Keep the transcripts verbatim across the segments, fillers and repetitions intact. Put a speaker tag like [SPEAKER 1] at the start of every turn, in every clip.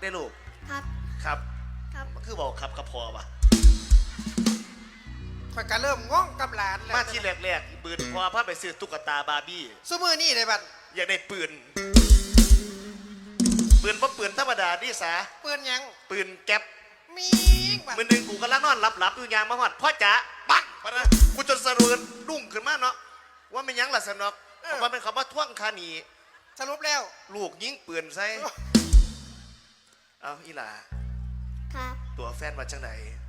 [SPEAKER 1] ได้ลูก
[SPEAKER 2] ครับ
[SPEAKER 1] ครับ
[SPEAKER 2] ครับ
[SPEAKER 1] มันคือบอกครับกับพอปะ
[SPEAKER 3] ข่อยก็เริ่มง่องกับหลานแล้ว
[SPEAKER 1] มาที่แรกๆปืนพอพาไปซื้อตุ๊กตาบาร์บี้
[SPEAKER 3] ซุมือนี่เลยบัด
[SPEAKER 1] อยากได้ปืนปืนเพราะปืนธรรมดาดิสา
[SPEAKER 3] เปื้อนยัง
[SPEAKER 1] ปืนแก๊ป
[SPEAKER 3] มีบัด
[SPEAKER 1] มือหนึ่งกูกำลังนอนหลับๆอยู่ยางมาหอดพ่อจ๋าปักปะนะกูจนสะดุ้งดุ้งขึ้นมาเนาะว่าไม่ยั้งหลัสนอกว่าเป็นคำว่าท่วงคานี
[SPEAKER 3] สรุปแล้ว
[SPEAKER 1] ลูกยิงปืนใส่เอาอีหล่า
[SPEAKER 2] ครับ
[SPEAKER 1] ตัวแฟนมาจังไหน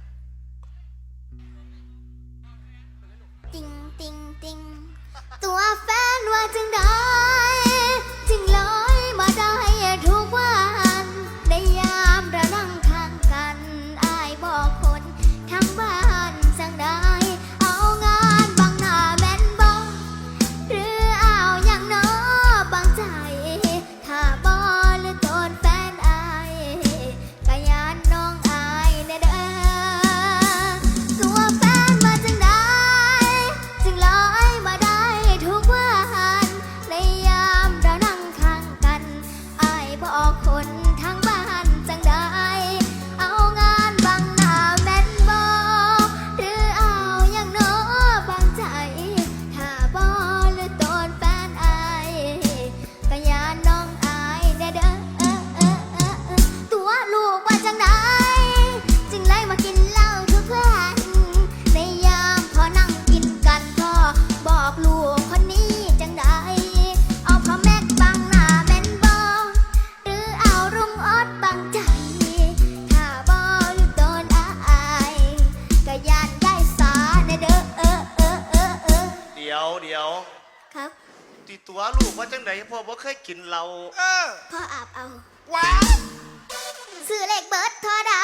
[SPEAKER 2] ติงติงติงตัวแฟนว่าจึงได้จึงลอยมาได้ทุกวันในยามเรานั่งทางกันอายบอกคนทั้งบ้านจังได้เอางานบางหน้าแม่นบ่หรือเอาอย่างน้อบางใจถ้าบ่หรือตนแฟนอายกะยานน้องอายแน่เด้อตัวแฟนมาจังได้จึงลอยมาได้ทุกวันในยามเรานั่งข้างกันอายบอกคนทั้งบ้านจังได้เอางานบางหน้าแม่นบ่หรือเอาอย่างน้อบางใจถ้าบ่หรือตนแฟนอายกะยานน้องอายแน่เด้อเออเออเออเออตัวลูกว่าจังได้จึงไล่มากินเหล้าทุกวันในยามพอนั่งกินกันพ่อบอกลูกคนนี้จังได้เอาพ่อแม่บังหน้าแม่นบ่หรือเอารุ่งออดบังใจถ้าบ่หรือโดนอายก็ยานได้สาแน่เด้อเออเออเออเออ
[SPEAKER 1] เดี๋ยวเดี๋ยว
[SPEAKER 2] ครับ
[SPEAKER 1] ตีตัวลูกว่าจังไหนพ่อบ่เคยกินเรา
[SPEAKER 3] เออ
[SPEAKER 2] พ่ออาบเอา
[SPEAKER 3] ว้าว
[SPEAKER 2] ซื้อเลขเบิร์ดเท่าใด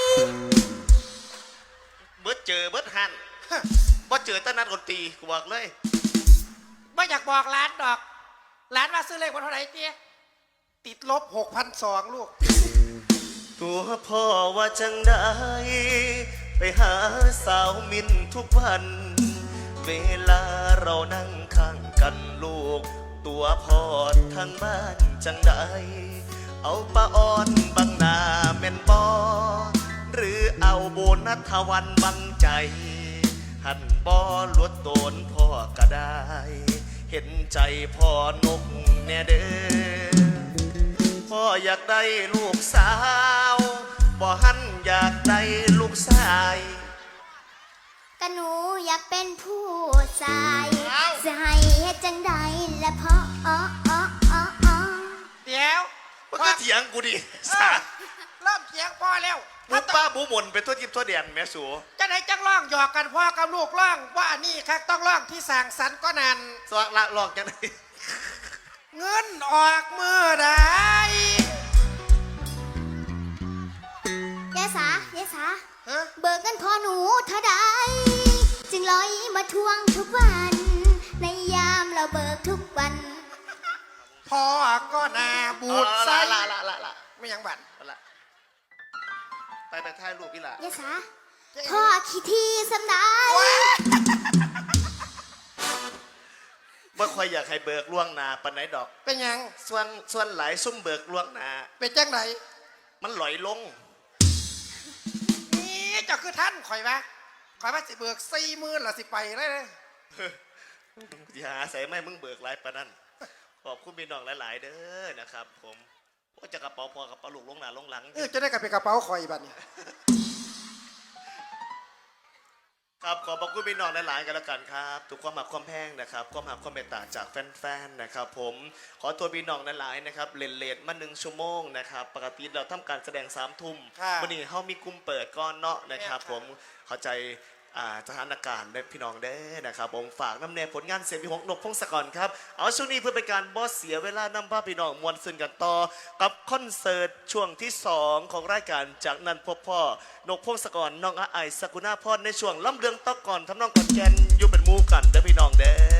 [SPEAKER 1] เบิดเจอเบิดหันบ่เจอตั้งนัดดนตรีกูบอกเลย
[SPEAKER 3] ไม่อยากบอกร้านดอกร้านว่าซื้อเลขวันเท่าไหร่เตี้ยติดลบหกพันสองลูก
[SPEAKER 1] ตัวพ่อว่าจังได้ไปหาสาวมินทุกวัน เวลาเรานั่งข้างกันลูก ตัวพ่อทางบ้านจังได้เอาปลาอ่อนบังหน้าแม่นบอหรือเอาโบนัสทวันบังใจ หันบอลวดโตนพ่อก็ได้ เห็นใจพ่อนกแน่เด้อพ่ออยากได้ลูกสาวบ่หันอยากได้ลูกชาย
[SPEAKER 2] ก็หนูอยากเป็นผู้ชายจะให้เฮ็ดจังใดและพ่ออ๋ออ๋ออ๋ออ๋อ
[SPEAKER 3] เดี๋ยว
[SPEAKER 1] มันก็เถียงกูดิ
[SPEAKER 3] เออเริ่มเถียงพ่อแล้ว
[SPEAKER 1] บุป้าบูหมนเป็นตัวทิพย์ตัวแดนแม่สู
[SPEAKER 3] จะไหนจังร้องหยอกกันพ่อกับลูกร้องว่าอันนี้ครับต้องร้องที่สั่งสรรค์ก็นัน
[SPEAKER 1] สวักละหลอกจังได
[SPEAKER 3] เงินออกมือได้
[SPEAKER 2] ยายสายายสา
[SPEAKER 3] ฮะ
[SPEAKER 2] เบิกเงินพ่อหนูเท่าใดจึงลอยมาทวงทุกวัน ในยามเราเบิกทุกวัน
[SPEAKER 3] พ่อก็นาบูดไส้
[SPEAKER 1] ละละละละ
[SPEAKER 3] ไม่ยังบัน
[SPEAKER 1] ละไปไปถ่ายรูปอีหล่ะ
[SPEAKER 2] ยายสาพ่อขี้ทีสำได้
[SPEAKER 1] ว่าคอยอยากให้เบิกล่วงหนาปานไหนดอก
[SPEAKER 3] เป็นยัง
[SPEAKER 1] ส่วนส่วนหลายซุ่มเบิกล่วงหนา
[SPEAKER 3] เป็นจังไหน
[SPEAKER 1] มันหลอยลง
[SPEAKER 3] นี่เจ้าคือท่านข่อยวะข่อยว่าสิเบิกสี่หมื่นละสิไปเลยเลย
[SPEAKER 1] อย่าหาใส่ไม่มึงเบิกหลายปานนั้นขอบคุณพี่น้องหลายๆเด้อนะครับผมว่าจะกระเป๋าพอกระเป๋าลูกลงหนาลงหลัง
[SPEAKER 3] เออจะได้กลับไปกระเป๋าข่อยบัดนี้
[SPEAKER 1] ครับขอบพระคุณพี่น้องหลายๆกันแล้วกันครับทุกความหักความแพงนะครับความหักความเมตตาจากแฟนๆนะครับผมขอตัวพี่น้องหลายๆนะครับเลนเลนมาหนึ่งชั่วโมงนะครับปกติเราทำการแสดงสามทุ่มวันนี้เขามีกลุ่มเปิดก้อนเนาะนะครับผมเข้าใจสถานการณ์ได้พี่น้องได้นะครับผมฝากน้ำเนยผลงานเสียงพี่หงนกพงศกรครับเอาช่วงนี้เพื่อเป็นการบอสเสียเวลานำพาพี่น้องมวลซึนกันต่อกับคอนเสิร์ตช่วงที่สองของรายการจากนั้นพบพ่อนกพงศกรน้องอาไอสกุณาพรในช่วงล่ำเรืองตอกก่อนทำน้องก่อนแกนอยู่เป็นหมู่กันเด้อพี่น้องเด้อ